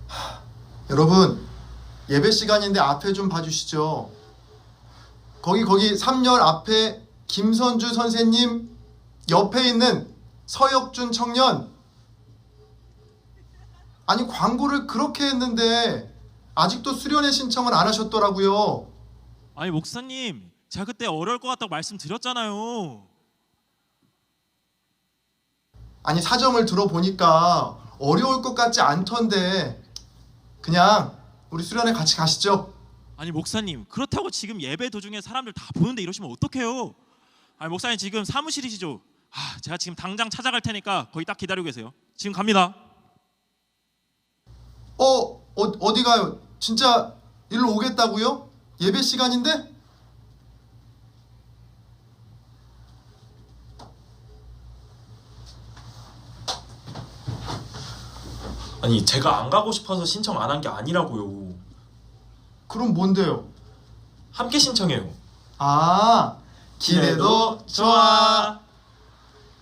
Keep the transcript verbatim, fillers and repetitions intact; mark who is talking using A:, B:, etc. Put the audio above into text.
A: 여러분, 예배 시간인데 앞에 좀 봐주시죠. 거기 거기 삼 열 앞에 김선주 선생님 옆에 있는 서혁준 청년. 아니, 광고를 그렇게 했는데 아직도 수련회 신청을 안 하셨더라고요.
B: 아니 목사님, 제가 그때 어려울 것 같다고 말씀드렸잖아요.
A: 아니, 사정을 들어보니까 어려울 것 같지 않던데 그냥 우리 수련회 같이 가시죠.
B: 아니 목사님, 그렇다고 지금 예배 도중에 사람들 다 보는데 이러시면 어떡해요? 아니 목사님, 지금 사무실이시죠? 아, 제가 지금 당장 찾아갈 테니까 거기 딱 기다리고 계세요. 지금 갑니다.
A: 어, 어 어디 가요? 진짜 일로 오겠다고요? 예배 시간인데?
C: 아니 제가 안 가고 싶어서 신청 안 한 게 아니라고요.
A: 그럼 뭔데요?
C: 함께 신청해요.
A: 아, 기대도 좋아.